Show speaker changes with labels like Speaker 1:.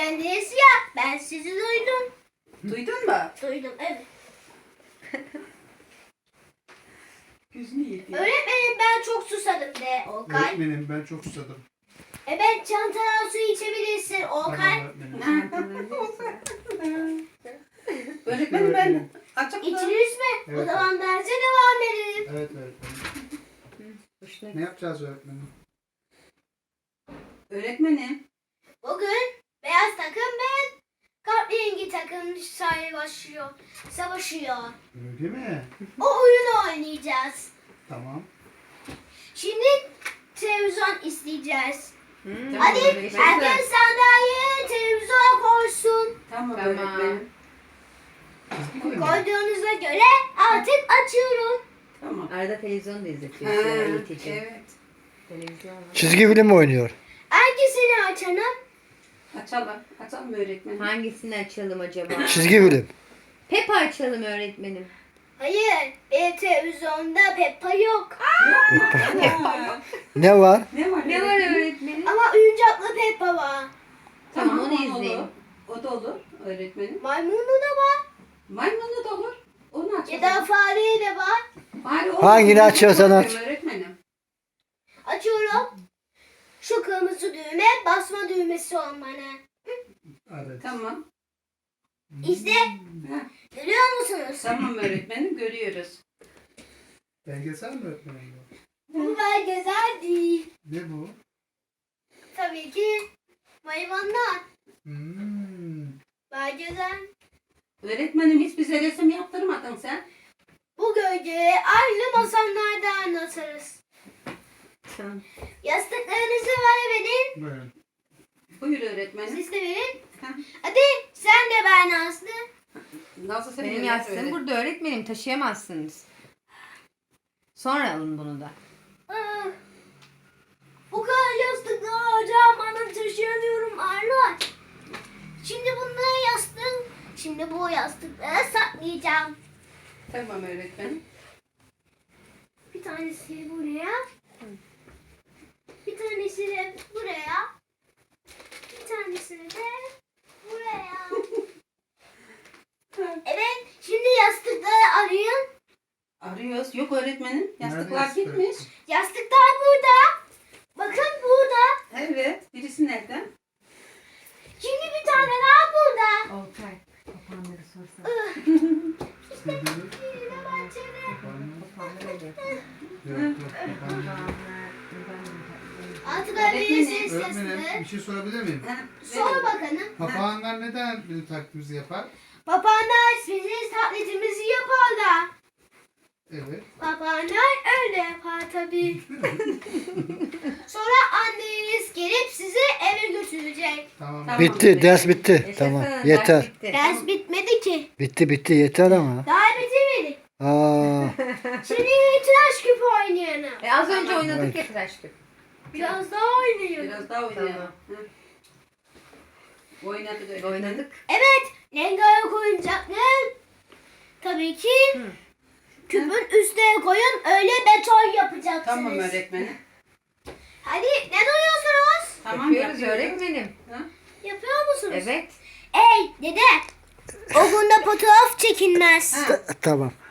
Speaker 1: öğretmendiniz ya. Ben sizi duydum.
Speaker 2: Duydun mu?
Speaker 1: Duydum, evet.
Speaker 2: Gözünü yedi.
Speaker 1: Öğretmenim ben çok susadım de Okay.
Speaker 3: Öğretmenim ben çok susadım.
Speaker 1: Evet, çantadan su içebilirsin Okay.
Speaker 3: Tamam öğretmenim.
Speaker 2: Öğretmenim ben açık mı?
Speaker 1: İçiniz mi? O
Speaker 3: Evet.
Speaker 1: zaman derse devam edelim.
Speaker 3: Evet öğretmenim. Ne yapacağız öğretmenim?
Speaker 2: Öğretmenim.
Speaker 1: Bugün beyaz takım ve kahverengi takım savaşıyor.
Speaker 3: Öyle mi?
Speaker 1: O oyunu oynayacağız.
Speaker 3: Tamam.
Speaker 1: Şimdi televizyon isteyeceğiz.
Speaker 2: Tamam,
Speaker 1: Hadi
Speaker 2: öğretmenim.
Speaker 1: herkes sandalye televizyona koysun.
Speaker 2: Tamam öğretmenim.
Speaker 3: Çizgi film mi?
Speaker 1: Koyduğunuza göre artık açıyorum.
Speaker 2: Tamam.
Speaker 4: Arada televizyon da izletiyor.
Speaker 2: Ha,
Speaker 4: Sonra eğitici.
Speaker 2: evet.
Speaker 4: Televizyon var.
Speaker 5: Çizgi film mi oynuyor?
Speaker 1: Hangisini açalım?
Speaker 2: Açalım. Açalım öğretmenim.
Speaker 4: Hangisini açalım acaba?
Speaker 5: Çizgi film.
Speaker 4: Peppa açalım öğretmenim.
Speaker 1: Hayır, benim televizyonda Peppa yok.
Speaker 2: Ha,
Speaker 5: Ne var?
Speaker 2: ne var?
Speaker 4: Ne var öğretmenim?
Speaker 1: Ama oyuncaklı Peppa var.
Speaker 4: Tamam, onu
Speaker 2: olur.
Speaker 4: izleyin.
Speaker 2: O da olur öğretmenim.
Speaker 1: Maymunu da var.
Speaker 2: Maymunlu da olur. Onu açalım.
Speaker 1: Ya da fare de var.
Speaker 2: Bari o-
Speaker 5: Hangini açıyorsan aç.
Speaker 2: Öğretmenim.
Speaker 1: Açıyorum. Şu kırmızı düğme basma düğmesi olmalı.
Speaker 3: Evet.
Speaker 2: Tamam.
Speaker 1: İşte
Speaker 2: Ha,
Speaker 1: görüyor musunuz?
Speaker 2: tamam öğretmenim görüyoruz.
Speaker 3: Belgesel mi öğretmenim bu?
Speaker 1: Bu belgesel değil.
Speaker 3: Ne bu?
Speaker 1: Tabii ki hayvanlar.
Speaker 3: Hmm.
Speaker 1: Belgesel.
Speaker 2: Öğretmenim hiç bize resim yaptırmadın sen.
Speaker 1: Bu gölgeyi aynı masallarda anlatırız.
Speaker 4: Tamam.
Speaker 1: Yastıklarınızı verin.
Speaker 3: Buyurun.
Speaker 2: Buyur öğretmenim.
Speaker 1: Siz de verin.
Speaker 2: Ha.
Speaker 1: Hadi sen de ben Aslı.
Speaker 2: Nasıl sen
Speaker 4: Benim yastığım burada öğretmenim. Taşıyamazsınız. Sonra alın bunu da.
Speaker 1: Ah, bu kadar yastıklar hocam bana taşıyamıyorum Arnold. Şimdi bunları yastık. Şimdi bu yastıkları saklayacağım.
Speaker 2: Tamam öğretmenim.
Speaker 1: Bir tanesi buraya. Bir tanesi de buraya. Bir tanesini de buraya. Evet, şimdi yastıkları arayın.
Speaker 2: Arıyoruz. Yok öğretmenim. Yastıklar
Speaker 3: Nerede
Speaker 2: gitmiş.
Speaker 1: Yastıklar burada. Bakın burada.
Speaker 2: Evet. Birisi nerede?
Speaker 1: Şimdi bir tane daha burada.
Speaker 4: Oltay. Kapanları sorsana.
Speaker 1: İşte yine bahçede.
Speaker 4: Kapanları öyle.
Speaker 3: Yok yok.
Speaker 1: Artık
Speaker 2: Öğretmenim,
Speaker 1: arayın
Speaker 3: Öğretmenim
Speaker 1: sesini.
Speaker 3: bir şey sorabilir miyim?
Speaker 2: Ha,
Speaker 1: Sor bakalım.
Speaker 3: Papağanlar neden bizim taklidimizi yapar?
Speaker 1: Papağanlar bizim taklitimizi yaparlar.
Speaker 3: Evet.
Speaker 1: Papağanlar öyle yapar tabii. Sonra anneniz gelip sizi eve götürecek.
Speaker 3: Tamam.
Speaker 2: Tamam.
Speaker 5: Bitti, ders bitti. Tamam,
Speaker 4: Yaşasın,
Speaker 5: yeter.
Speaker 4: ders bitti.
Speaker 1: Ders bitmedi ki.
Speaker 5: Bitti yeter ama.
Speaker 1: Daha bitirmedik.
Speaker 5: Aa,
Speaker 1: Şimdi tıraş küpü oynayalım.
Speaker 4: Az önce oynadık ya tıraş küp.
Speaker 1: Biraz daha oynayalım.
Speaker 2: Biraz daha oynayalım. Ha. Oynadık öğretmenim.
Speaker 4: Oynadık.
Speaker 1: Evet, rengarenk oyuncaklar. Tabii ki küpün üstüne koyun, öyle beton yapacaksınız.
Speaker 2: Tamam öğretmenim.
Speaker 1: Hadi ne duruyorsunuz?
Speaker 2: Tamam
Speaker 4: Yapıyoruz öğretmenim.
Speaker 2: Ha?
Speaker 1: Yapıyor musunuz?
Speaker 4: Evet.
Speaker 1: Ey dede, o bunda fotoğraf çekilmez.
Speaker 2: Ha.
Speaker 5: tamam.